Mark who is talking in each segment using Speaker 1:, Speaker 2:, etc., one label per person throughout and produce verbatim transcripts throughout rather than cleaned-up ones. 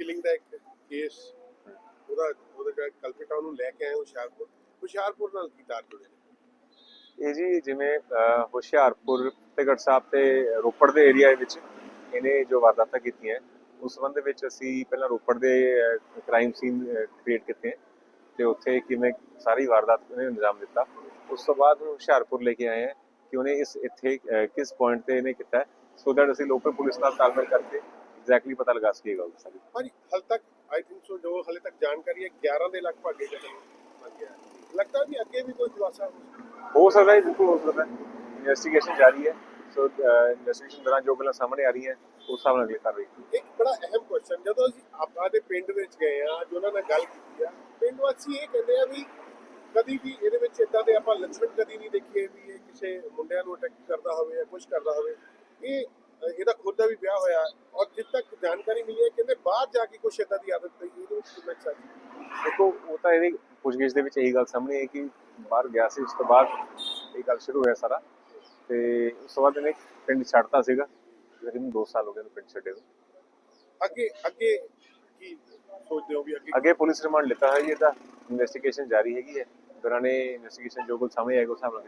Speaker 1: Killing ਦਾ ਇੱਕ case ਉਹਦਾ ਉਹਦਾ ਜਿਹੜਾ ਕਲਪਿਟ ਆ ਉਹਨੂੰ ਲੈ ਕੇ ਆਏ ਹੁਸ਼ਿਆਰਪੁਰ ਹੁਸ਼ਿਆਰਪੁਰ ਨਾਲ ਕੀ ਤਾਰ ਜੁੜੇ ਨੇ?
Speaker 2: ਇਹ ਜੀ ਜਿਵੇਂ ਹੁਸ਼ਿਆਰਪੁਰ ਫਤਿਹਗੜ੍ਹ ਸਾਹਿਬ ਤੇ ਰੋਪੜ ਦੇ ਏਰੀਆ ਵਿੱਚ ਇਹਨੇ ਜੋ ਵਾਰਦਾਤਾਂ ਕੀਤੀਆਂ ਉਸ ਸੰਬੰਧ ਦੇ ਵਿੱਚ ਅਸੀਂ ਪਹਿਲਾਂ ਰੋਪੜ ਦੇ ਕ੍ਰਾਈਮ ਸੀਨ ਕ੍ਰੀਏਟ ਕੀਤੇ ਤੇ ਉੱਥੇ ਕਿਵੇਂ ਸਾਰੀ ਵਾਰਦਾਤ ਨੇ ਅੰਜਾਮ ਦਿੱਤਾ। ਉਸ ਤੋਂ ਬਾਅਦ ਹੁਸ਼ਿਆਰਪੁਰ ਲੈ ਕੇ ਆਏ ਹਾਂ ਕਿ ਉਹਨੇ ਇਸ ਇੱਥੇ ਕਿਸ ਪੁਆਇੰਟ ਤੇ ਇਹਨੇ ਕੀਤਾ ਸੋ ਦੈਟ ਅਸੀਂ ਲੋਕਲ ਪੁਲਿਸ ਨਾਲ ਤਾਲਮੇਲ ਕਰਕੇ ਐਗਜ਼ੈਕਟਲੀ ਪਤਾ ਲਗਾ ਸਕੀਏ ਗੱਲ ਸਾਰੀ।
Speaker 1: ਹਾਂਜੀ ਹਾਲ ਤੱਕ ਆਈ ਥਿੰਕ ਸੋ ਜੋ ਹਾਲੇ ਤੱਕ ਜਾਣਕਾਰੀ ਹੈ ਗਿਆਰਾਂ ਦੇ ਲਗਭਗ ਇਹ ਜਗ੍ਹਾ ਲੱਗਦਾ ਵੀ ਅੱਗੇ ਵੀ ਕੋਈ ਖੁਲਾਸਾ
Speaker 2: ਹੋ ਸਕਦਾ ਹੈ, ਬਿਲਕੁਲ ਹੋ ਸਕਦਾ ਹੈ। ਇਨਵੈਸਟੀਗੇਸ਼ਨ ਜਾਰੀ ਹੈ ਸੋ ਇਨਵੈਸਟੀਗੇਸ਼ਨ ਦੌਰਾਨ ਜੋ ਗੱਲਾਂ ਸਾਹਮਣੇ ਆ ਰਹੀਆਂ ਉਸ ਹਿਸਾਬ ਨਾਲ ਅਗਲੀ ਕਾਰਵਾਈ।
Speaker 1: ਇੱਕ ਬੜਾ ਅਹਿਮ ਕੁਐਸਚਨ ਜਦੋਂ ਅਸੀਂ ਆਪਾਂ ਦੇ ਪਿੰਡ ਵਿੱਚ ਗਏ ਆ ਜੋ ਉਹਨਾਂ ਨਾਲ ਗੱਲ ਕੀਤੀ ਆ ਪਿੰਡ ਵਾਸੀ ਇਹ ਕਹਿੰਦੇ ਆ ਵੀ ਕਦੀ ਵੀ ਇਹਦੇ ਵਿੱਚ ਇਦਾਂ ਦੇ ਆਪਾਂ ਲੱਛਣ ਕਦੀ ਨਹੀਂ ਦੇਖੇ ਵੀ ਇਹ ਕਿਸੇ ਮੁੰਡਿਆਂ ਨੂੰ ਅਟੈਕ ਕਰਦਾ ਹੋਵੇ ਜਾਂ ਕੁਝ ਕਰਦਾ ਹੋਵੇ। ਇਹ ਇਹਦਾ ਖੁਦ ਦਾ ਵੀ ਵਿਆਹ ਹੋਇਆ ਔਰ ਜਿੱਦ ਤੱਕ ਜਾਣਕਾਰੀ ਮਿਲੀ ਹੈ ਕਹਿੰਦੇ ਬਾਹਰ ਜਾ ਕੇ ਕੁਛ ਇਦਾਂ ਦੀ ਆਦਤ ਪਈ ਇਹਦੇ ਵਿੱਚ ਕਿੰਨਾ ਸੱਚ
Speaker 2: ਦੇਖੋ ਉਹ ਤਾਂ ਇਹਦੀ ਪੁੱਛਗਿੱਛ ਦੇ ਵਿੱਚ ਇਹੀ ਗੱਲ ਸਾਹਮਣੇ ਹੈ ਕਿ ਬਾਹਰ ਗਿਆ ਸੀ ਉਸ ਤੋਂ ਬਾਅਦ ਇਹ ਗੱਲ ਸ਼ੁਰੂ ਹੋਇਆ ਸਾਰਾ ਤੇ ਉਸ ਤੋਂ ਬਾਅਦ ਇਹਨੇ ਪਿੰਡ ਛੱਡਤਾ ਸੀਗਾ ਤਕਰੀਬਨ ਦੋ ਸਾਲ ਹੋ ਗਏ ਪਿੰਡ ਛੱਡੇ ਨੂੰ।
Speaker 1: ਅੱਗੇ ਅੱਗੇ ਕੀ ਸੋਚਦੇ ਹੋ ਵੀ ਅੱਗੇ
Speaker 2: ਅੱਗੇ ਪੁਲਿਸ ਰਿਮਾਂਡ ਲਿੱਤਾ ਹੈ ਜੀ ਇਹਦਾ ਇਨਵੈਸਟੀਗੇਸ਼ਨ ਜਾਰੀ ਹੈਗੀ ਹੈ ਦੌਰਾਨੇ ਇਨਵੈਸਟੀਗੇਸ਼ਨ ਜੋ ਕੁਝ ਸਾਹਮਣੇ ਆਏਗਾ ਉਸ ਹਿਸਾਬ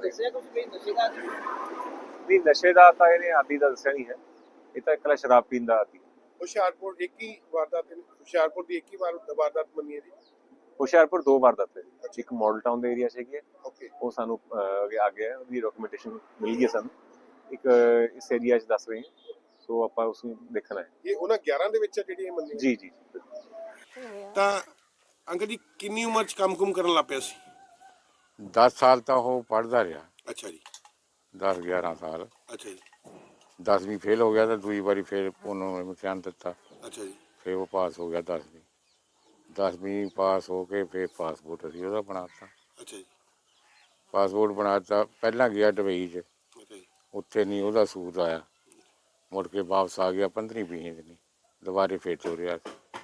Speaker 2: ਨਾਲ ਨਹੀਂ ਨਸ਼ੇ ਦਾ ਤਾਂ ਇਹਨੇ ਆਦੀ ਦਾ ਦੱਸਿਆ ਨਹੀਂ ਹੈ ਇਹ ਤਾਂ ਇਕੱਲਾ ਸ਼ਰਾਬ ਪੀਣ ਦਾ ਆਦੀ।
Speaker 1: ਹੁਸ਼ਿਆਰਪੁਰ ਇੱਕ ਹੀ ਵਾਰਦਾਤ ਹੁਸ਼ਿਆਰਪੁਰ ਦੀ ਇੱਕ ਹੀ ਵਾਰ ਵਾਰਦਾਤ ਮੰਨੀ ਹੈ ਜੀ।
Speaker 2: ਹੁਸ਼ਿਆਰਪੁਰ ਦੋ ਵਾਰਦਾਤ ਹੈ ਜੀ ਇੱਕ ਮਾਡਲ ਟਾਊਨ ਦੇ ਏਰੀਆ 'ਚ ਹੈਗੀ ਹੈ
Speaker 1: ਓਕੇ
Speaker 2: ਉਹ ਸਾਨੂੰ ਅੱਗੇ ਆ ਗਿਆ ਉਹਦੀ ਡਾਕੂਮੈਂਟੇਸ਼ਨ ਮਿਲ ਗਈ ਸਾਨੂੰ ਇੱਕ ਇਸ ਏਰੀਆ 'ਚ ਦੱਸ ਰਹੇ ਹਾਂ ਸੋ ਆਪਾਂ ਉਸ ਨੂੰ ਦੇਖਣਾ ਹੈ।
Speaker 1: ਇਹ ਉਹਨਾਂ ਗਿਆਰਾਂ ਦੇ ਵਿੱਚ ਜਿਹੜੀ ਇਹ ਮੰਨੀ
Speaker 2: ਜੀ ਜੀ
Speaker 1: ਤਾਂ ਅੰਕਲ ਜੀ ਕਿੰਨੀ ਉਮਰ 'ਚ ਕੰਮ ਕੁਮ ਕਰਨ ਲੱਗ ਪਿਆ ਸੀ?
Speaker 3: ਦਸ ਸਾਲ ਤਾਂ ਉਹ ਪੜ੍ਹਦਾ ਰਿਹਾ।
Speaker 1: ਅੱਛਾ ਜੀ
Speaker 3: ਦਸ ਗਿਆਰਾਂ ਸਾਲ।
Speaker 1: ਅੱਛਾ ਜੀ
Speaker 3: ਦਸਵੀਂ ਫੇਲ ਹੋ ਗਿਆ ਤਾਂ ਦੂਜੀ ਵਾਰੀ ਫਿਰ ਉਹਨੂੰ ਇਮਤਿਹਾਨ ਦਿੱਤਾ
Speaker 1: ਅੱਛਾ ਜੀ
Speaker 3: ਫਿਰ ਉਹ ਪਾਸ ਹੋ ਗਿਆ ਦਸਵੀਂ ਦਸਵੀਂ ਪਾਸ ਹੋ ਕੇ ਫਿਰ ਪਾਸਪੋਰਟ ਅਸੀਂ ਉਹਦਾ ਬਣਾਤਾ।
Speaker 1: ਅੱਛਾ ਜੀ
Speaker 3: ਪਾਸਪੋਰਟ ਬਣਾਤਾ ਪਹਿਲਾਂ ਗਿਆ ਦੁਬਈ 'ਚ
Speaker 1: ਅੱਛਾ ਜੀ
Speaker 3: ਉੱਥੇ ਨਹੀਂ ਉਹਦਾ ਸੂਟ ਆਇਆ ਮੁੜ ਕੇ ਵਾਪਸ ਆ ਗਿਆ ਪੰਦਰਵੀਂ ਵੀਹ ਦਿਨ ਦੁਬਾਰੇ ਫਿਰ ਤੋਰਿਆ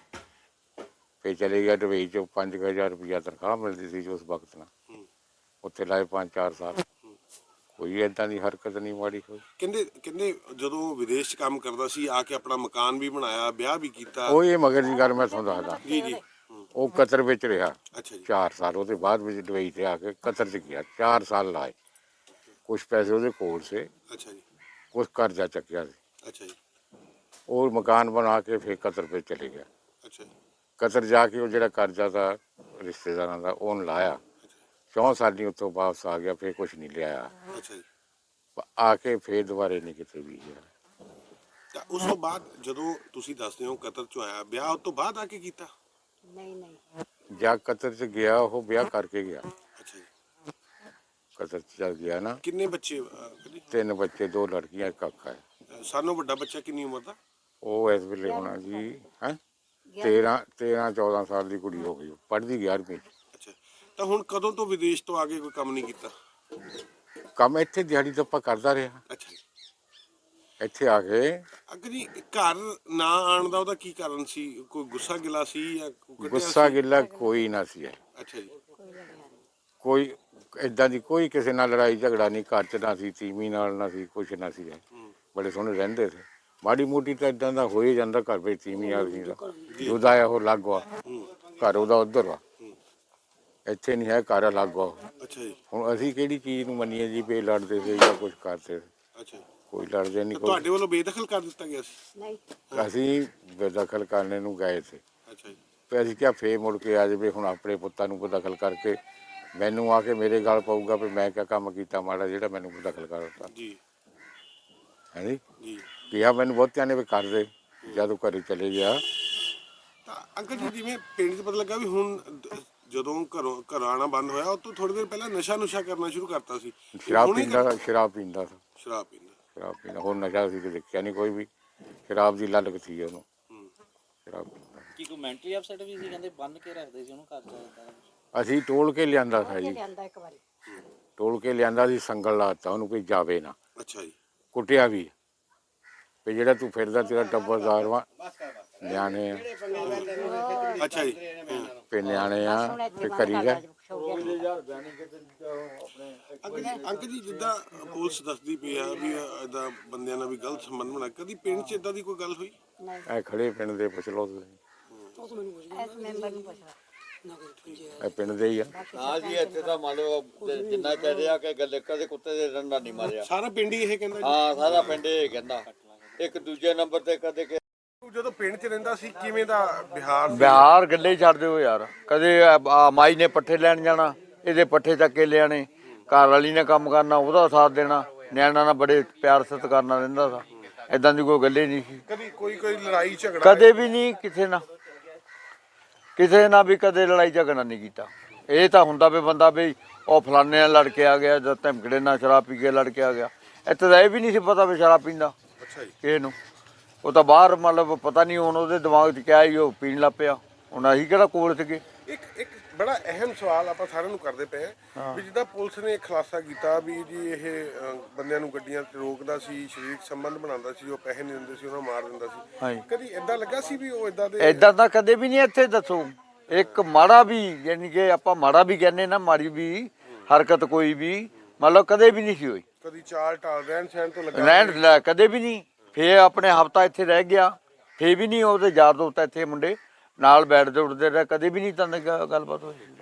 Speaker 3: ਫਿਰ ਚਲੇ ਗਿਆ ਦੁਬਈ 'ਚ ਪੰਜ ਕੁ ਹਜ਼ਾਰ ਰੁਪਈਆ ਤਨਖਾਹ ਮਿਲਦੀ ਸੀ ਉਸ ਵਕਤ ਨਾਲ ਉੱਥੇ ਲਾਏ ਪੰਜ ਚਾਰ ਸਾਲ ਕੋਈ ਏਦਾਂ ਦੀ ਹਰਕਤ ਨਹੀਂ ਮਾੜੀ ਹੋਈ।
Speaker 1: ਕਹਿੰਦੇ ਕਹਿੰਦੇ ਜਦੋਂ ਵਿਦੇਸ਼ 'ਚ ਕੰਮ ਕਰਦਾ ਸੀ ਆ ਕੇ ਆਪਣਾ ਮਕਾਨ ਵੀ ਬਣਾਇਆ ਵਿਆਹ ਵੀ ਕੀਤਾ।
Speaker 3: ਉਹ ਇਹ ਮਗਰ ਦੀ ਗੱਲ ਮੈਂ ਤੁਹਾਨੂੰ ਦੱਸਦਾ
Speaker 1: ਜੀ ਜੀ
Speaker 3: ਉਹ ਕਤਰ ਵਿੱਚ ਰਿਹਾ
Speaker 1: ਅੱਛਾ ਜੀ
Speaker 3: ਚਾਰ ਸਾਲ ਉਹਦੇ ਬਾਅਦ ਵਿੱਚ ਦੁਬਈ 'ਤੇ ਆ ਕੇ ਕਤਰ 'ਚ ਗਿਆ ਚਾਰ ਸਾਲ ਲਾਏ ਕੁਛ ਪੈਸੇ ਉਹਦੇ ਕੋਲ ਸੇ
Speaker 1: ਅੱਛਾ ਜੀ
Speaker 3: ਕੁਛ ਕਰਜ਼ਾ ਚੱਕਿਆ ਸੀ
Speaker 1: ਅੱਛਾ ਜੀ
Speaker 3: ਉਹ ਮਕਾਨ ਬਣਾ ਕੇ ਫਿਰ ਕਤਰ 'ਤੇ ਚਲੇ ਗਿਆ।
Speaker 1: ਅੱਛਾ ਜੀ
Speaker 3: ਕਤਰ ਜਾ ਕੇ ਉਹ ਜਿਹੜਾ ਕਰਜ਼ਾ ਦਾ ਰਿਸ਼ਤੇਦਾਰਾਂ ਦਾ ਉਹਨੂੰ ਲਾਇਆ ਚੌਂ ਸਾਲੀ ਉੱਥੋਂ ਵਾਪਸ ਆ ਗਿਆ ਫਿਰ ਕੁਛ ਨਹੀਂ ਲਿਆਇਆ
Speaker 1: ਅੱਛਾ ਜੀ
Speaker 3: ਆ ਕੇ ਫਿਰ ਦੁਬਾਰੇ ਨਹੀਂ ਕਿਤੇ ਵੀ ਗਿਆ।
Speaker 1: ਤਾਂ ਉਸ ਤੋਂ ਬਾਅਦ ਜਦੋਂ ਤੁਸੀਂ ਦੱਸਦੇ ਹੋ ਕਤਰ 'ਚੋਂ ਆਇਆ ਵਿਆਹ ਉਸ ਤੋਂ ਬਾਅਦ ਆ ਕੇ ਕੀਤਾ?
Speaker 4: ਨਹੀਂ ਨਹੀਂ
Speaker 3: ਜਾਂ ਕਤਰ 'ਚ ਗਿਆ ਉਹ ਵਿਆਹ ਕਰਕੇ ਗਿਆ
Speaker 1: ਅੱਛਾ ਜੀ
Speaker 3: ਕਤਰ 'ਚ ਚੱਲ ਗਿਆ ਨਾ।
Speaker 1: ਕਿੰਨੇ ਬੱਚੇ ਅਹ,
Speaker 3: ਤਿੰਨ ਬੱਚੇ ਦੋ ਲੜਕੀਆਂ ਇੱਕ ਕਾਕਾ ਹੈ।
Speaker 1: ਅਹ, ਸਾਨੋਂ ਵੱਡਾ ਬੱਚਾ ਕਿੰਨੀ ਉਮਰ ਦਾ?
Speaker 3: ਉਹ ਇਸ ਵੇਲੇ ਹੋਣਾ ਜੀ ਹੈ ਤੇਰਾਂ ਤੇਰਾਂ ਚੌਦਾਂ ਸਾਲ ਦੀ ਕੁੜੀ ਹੋ ਗਈ ਪੜ੍ਹਦੀ ਗਿਆਰਵੀਂ 'ਚ।
Speaker 1: ਅੱਛਾ ਤਾਂ ਹੁਣ ਕਦੋਂ ਤੋਂ ਵਿਦੇਸ਼ ਤੋਂ ਆ ਕੇ ਕੋਈ ਕੰਮ ਨਹੀਂ ਕੀਤਾ?
Speaker 3: ਕੰਮ ਇੱਥੇ ਦਿਹਾੜੀ ਦੱਪਾ ਕਰਦਾ ਰਿਹਾ
Speaker 1: ਅੱਛਾ ਜੀ
Speaker 3: ਇੱਥੇ ਆ ਕੇ।
Speaker 1: ਅੰਕਲ ਜੀ ਘਰ ਨਾ ਆਉਣ ਦਾ ਉਹਦਾ ਕੀ ਕਾਰਨ ਸੀ? ਕੋਈ ਗੁੱਸਾ ਗਿਲਾ ਸੀ ਜਾਂ ਕੱਢਿਆ
Speaker 3: ਗੁੱਸਾ
Speaker 1: ਸੀ?
Speaker 3: ਗਿੱਲਾ ਕੋਈ ਨਾ ਸੀ ਹੈ।
Speaker 1: ਅੱਛਾ ਜੀ
Speaker 3: ਕੋਈ ਏਦਾਂ ਦੀ ਕੋਈ ਕਿਸੇ ਨਾਲ ਲੜਾਈ ਝਗੜਾ ਨਹੀਂ ਘਰ 'ਚ ਨਾ ਸੀ ਤੀਵੀਂ ਨਾਲ ਨਾ ਸੀ ਕੁਛ ਨਾ ਸੀ ਹੈ। ਬੜੇ ਸੋਹਣੇ ਰਹਿੰਦੇ ਸੀ ਮਾੜੀ ਮੋਟੀ ਤਾਂ ਇਦਾਂ ਦਾ ਹੋ ਹੀ ਜਾਂਦਾ ਘਰ ਵਿੱਚ ਤੀਵੀਂ ਆ ਸੀ ਜੁਦਾ ਆ ਉਹ ਅਲੱਗ ਵਾ ਘਰ ਉਹਦਾ ਉੱਧਰ ਵਾ ਇੱਥੇ ਨਹੀਂ ਹੈ ਘਰ ਅਲੱਗ ਵਾ।
Speaker 1: ਅੱਛਾ ਜੀ
Speaker 3: ਹੁਣ ਅਸੀਂ ਕਿਹੜੀ ਚੀਜ਼ ਨੂੰ ਮੰਨੀਏ ਜੀ ਵੀ ਲੜਦੇ ਸੀ ਜਾਂ ਕੁਛ ਕਰਦੇ ਸੀ
Speaker 1: ਅੱਛਾ ਜੀ
Speaker 3: ਕੋਈ ਲੜਦੇ ਨਹੀਂ
Speaker 1: ਤਾਂ
Speaker 3: ਕੋਈ।
Speaker 1: ਤੁਹਾਡੇ ਵੱਲੋਂ ਬੇਦਖਲ ਕਰ ਦਿੱਤਾ ਗਿਆ ਸੀ?
Speaker 4: ਨਹੀਂ
Speaker 3: ਅਸੀਂ ਬੇਦਖਲ ਕਰਨੇ ਨੂੰ ਗਏ ਸੀ
Speaker 1: ਅੱਛਾ ਜੀ
Speaker 3: ਤੇ ਅਸੀਂ ਕਿਹਾ ਫੇਰ ਮੁੜ ਕੇ ਆ ਜਾਵੇ ਹੁਣ ਆਪਣੇ ਪੁੱਤਾਂ ਨੂੰ ਬੇਦਖਲ ਕਰਕੇ ਮੈਨੂੰ ਆ ਕੇ ਮੇਰੇ ਗੱਲ ਪਊਗਾ ਵੀ ਮੈਂ ਕਿਆ ਕੰਮ ਕੀਤਾ ਮਾੜਾ ਜਿਹੜਾ ਮੈਨੂੰ ਬੇਦਖਲ ਕਰ ਦਿੱਤਾ
Speaker 1: ਜੀ
Speaker 3: ਹੈ ਜੀ
Speaker 1: ਜੀ
Speaker 3: ਕਿਹਾ ਮੈਨੂੰ ਬਹੁਤਿਆਂ ਨੇ ਵੀ ਕਰ ਦੇ ਜਦੋਂ ਘਰੇ ਚਲੇ ਗਿਆ।
Speaker 1: ਤਾਂ ਅੰਕਲ ਜੀ ਜਿਵੇਂ ਪਿੰਡ 'ਚ ਪਤਾ ਲੱਗਾ ਵੀ ਹੁਣ ਦ- ਜਦੋਂ ਘਰੋਂ ਘਰ ਆਉਣਾ ਬੰਦ ਹੋਇਆ ਉਹ ਤੋਂ ਥੋੜੀ ਦੇਰ ਪਹਿਲਾਂ ਨਸ਼ਾ ਨੁਸ਼ਾ ਕਰਨਾ ਸ਼ੁਰੂ ਕਰਤਾ ਸੀ।
Speaker 3: ਸ਼ਰਾਬ
Speaker 1: ਹੁਣ ਹੀ
Speaker 3: ਪੀਂਦਾ
Speaker 1: ਕਰ-
Speaker 3: ਸੀ ਸ਼ਰਾਬ ਪੀਂਦਾ ਸੀ
Speaker 1: ਸ਼ਰਾਬ ਪੀਂਦਾ
Speaker 3: ਸ਼ਰਾਬ ਪੀਂਦਾ ਹੋਰ ਨਸ਼ਾ ਸੀ ਤੇ ਦੇਖਿਆ ਨਹੀਂ ਕੋਈ ਵੀ ਸ਼ਰਾਬ ਦੀ ਲਲਕ ਸੀ ਉਹਨੂੰ
Speaker 1: ਹੂੰ।
Speaker 3: ਸ਼ਰਾਬ ਪੀਂਦਾ।
Speaker 5: ਕੀ ਕੋਈ ਮੈਂਟਲੀ ਅਪਸੈਟ ਵੀ ਸੀ ਕਹਿੰਦੇ ਬੰਨ ਕੇ ਰੱਖਦੇ ਸੀ ਉਹਨੂੰ ਘਰ ਚ ਏਦਾਂ?
Speaker 3: ਅਸੀਂ ਟੋਲ ਕੇ ਲਿਆਂਦਾ ਸੀ ਜੀ
Speaker 4: ਲਿਆਂਦਾ ਇੱਕ ਵਾਰੀ
Speaker 3: ਟੋਲ ਕੇ ਲਿਆਂਦਾ ਸੀ ਸੰਗਲ ਲਾਤਾ ਉਹਨੂੰ ਕੋਈ ਜਾਵੇ ਨਾ
Speaker 1: ਅੱਛਾ ਜੀ
Speaker 3: ਕੁੱਟਿਆ ਵੀ ਵੀ ਜਿਹੜਾ ਤੂੰ ਫਿਰਦਾ ਤੇਰਾ ਟੱਬਰਦਾਰ ਵਾ ਨਿਆਣੇ ਆ
Speaker 1: ਅੱਛਾ ਜੀ
Speaker 3: ਵੀ ਨਿਆਣੇ ਆ ਤੇ ਕਰੀ ਗਏ।
Speaker 1: ਅੰਕਲ ਜੀ ਅੰਕਲ ਜੀ ਜਿੱਦਾਂ ਪੁਲਿਸ ਦੱਸਦੀ ਪਈ ਆ ਵੀ ਇਦਾਂ ਬੰਦਿਆਂ ਨਾਲ ਵੀ ਗਲਤ ਸੰਬੰਧ ਬਣਾ ਕਦੀ ਪਿੰਡ 'ਚ ਇਦਾਂ ਦੀ ਕੋਈ ਗੱਲ ਹੋਈ?
Speaker 4: ਨਹੀਂ
Speaker 3: ਇਹ ਖੜੇ ਪਿੰਡ ਦੇ ਪੁੱਛ ਲਓ ਤੁਸੀਂ
Speaker 4: ਇਸ ਮੈਂਬਰ ਨੂੰ ਪੁੱਛ
Speaker 3: ਇਹ ਪਿੰਡ ਦੇ ਹੀ ਆ।
Speaker 6: ਹਾਂ ਜੀ ਇੱਥੇ ਤਾਂ ਮੰਨ ਲਓ ਜਿੰਨਾ ਕਹਿ ਰਿਹਾ ਕਿ ਗੱਲ ਕਦੇ ਕੁੱਤੇ ਦੇ ਡੰਡਾ ਨਹੀਂ ਮਾਰਿਆ।
Speaker 1: ਸਾਰਾ ਪਿੰਡ ਹੀ ਇਹ ਕਹਿੰਦਾ
Speaker 6: ਹਾਂ ਸਾਰਾ ਪਿੰਡ ਇਹ ਕਹਿੰਦਾ। ਇੱਕ ਦੂਜੇ ਨੰਬਰ ਤੇ ਕਦੇ ਕਿ
Speaker 1: ਜੀ ਜਦੋਂ ਪਿੰਡ 'ਚ ਰਹਿੰਦਾ ਸੀ ਕਿਵੇਂ ਦਾ ਬਿਹਾਰ ਸੀ?
Speaker 7: ਬਿਹਾਰ ਗੱਲੇ ਛੱਡ ਦਿਓ ਯਾਰ। ਕਦੇ ਆ ਮਾਈ ਨੇ ਪੱਠੇ ਲੈਣ ਜਾਣਾ, ਇਹਦੇ ਪੱਠੇ ਚੱਕ ਕੇ ਲਿਆਣੇ, ਘਰ ਵਾਲੀ ਨੇ ਕੰਮ ਕਰਨਾ, ਉਹਦਾ ਸਾਥ ਦੇਣਾ, ਨਿਆਣਾ ਨਾਲ ਬੜੇ ਪਿਆਰ ਸਤਿਕਾਰ ਨਾਲ ਰਹਿੰਦਾ ਸੀ। ਇਦਾਂ ਦੀ ਕੋਈ ਗੱਲੇ ਨਹੀਂ ਸੀ
Speaker 1: ਕਦੀ ਕੋਈ ਕੋਈ ਲੜਾਈ ਝਗੜਾ
Speaker 7: ਕਦੇ ਵੀ ਨਹੀਂ ਕਿਸੇ ਨਾਲ, ਕਿਸੇ ਨਾਲ ਵੀ ਕਦੇ ਲੜਾਈ ਝਗੜਾ ਨਹੀਂ ਕੀਤਾ। ਇਹ ਤਾਂ ਹੁੰਦਾ ਵੀ ਬੰਦਾ ਵੀ ਉਹ ਫਲਾਣੇ ਨਾਲ ਲੜ ਕੇ ਆ ਗਿਆ ਜਾਂ ਧਮਕੜੇ ਨਾਲ ਸ਼ਰਾਬ ਪੀ ਕੇ ਲੜ ਕੇ ਆ ਗਿਆ। ਇੱਥੇ ਤਾਂ ਇਹ ਵੀ ਨਹੀਂ ਸੀ ਪਤਾ ਵੀ ਸ਼ਰਾਬ ਪੀਂਦਾ
Speaker 1: ਅੱਛਾ ਜੀ।
Speaker 7: ਕਿਸੇ ਨੂੰ। ਉਹ ਤਾਂ ਬਾਹਰ ਮਤਲਬ ਪਤਾ ਨਹੀਂ ਹੁਣ ਉਹਦੇ ਦਿਮਾਗ 'ਚ ਕਿਆ ਹੀ ਉਹ ਪੀਣ ਲੱਗ ਪਿਆ। ਹੁਣ ਅਸੀਂ ਕਿਹੜਾ ਕੋਲ ਸੀਗੇ।
Speaker 1: ਇੱਕ ਇੱਕ ਬੜਾ ਅਹਿਮ ਸਵਾਲ ਆਪਾਂ ਸਾਰਿਆਂ ਨੂੰ ਕਰਦੇ ਪਏ ਹਾਂ ਵੀ ਜਿੱਦਾਂ ਪੁਲਿਸ ਨੇ ਖੁਲਾਸਾ ਕੀਤਾ ਵੀ ਜੀ ਇਹ ਅ, ਬੰਦਿਆਂ ਨੂੰ ਗੱਡੀਆਂ ਤੇ ਰੋਕਦਾ ਸੀ, ਸਰੀਰਕ ਸੰਬੰਧ ਬਣਾਉਂਦਾ ਸੀ, ਉਹ ਪੈਸੇ ਨਹੀਂ ਦਿੰਦੇ ਸੀ ਉਹਨਾਂ ਨੂੰ ਮਾਰ ਦਿੰਦਾ ਸੀ।
Speaker 7: ਹਾਂਜੀ
Speaker 1: ਕਦੀ ਏਦਾਂ ਲੱਗਾ ਸੀ ਵੀ ਉਹ ਏਦਾਂ ਦੇ
Speaker 7: ਏਦਾਂ ਤਾਂ ਕਦੇ ਵੀ ਨਹੀਂ ਇੱਥੇ ਦੱਸੋ। ਇੱਕ ਮਾੜਾ ਵੀ ਯਾਨੀ ਕਿ ਆਪਾਂ ਮਾੜਾ ਵੀ ਕਹਿੰਦੇ ਨਾ, ਮਾੜੀ ਵੀ ਹਰਕਤ ਕੋਈ ਵੀ ਮਤਲਬ ਕਦੇ ਵੀ ਨਹੀਂ ਸੀ ਹੋਈ।
Speaker 1: ਕਦੀ ਚਾਲ ਟਾਲ ਰਹਿਣ ਸਹਿਣ ਤੋਂ ਲੱਗਾ
Speaker 7: ਰਹਿਣ ਲੈ ਕਦੇ ਵੀ ਨਹੀਂ। ਫੇਰ ਆਪਣੇ ਹਫਤਾ ਇੱਥੇ ਰਹਿ ਗਿਆ, ਫੇਰ ਵੀ ਨਹੀਂ ਉਹਦੇ ਯਾਰ ਦੋਸਤ ਇੱਥੇ ਮੁੰਡੇ ਨਾਲ ਬੈਠਦੇ ਉੱਠਦੇ ਰਹੇ, ਕਦੇ ਵੀ ਨਹੀਂ ਤਾਂ ਗੱਲਬਾਤ ਹੋਈ।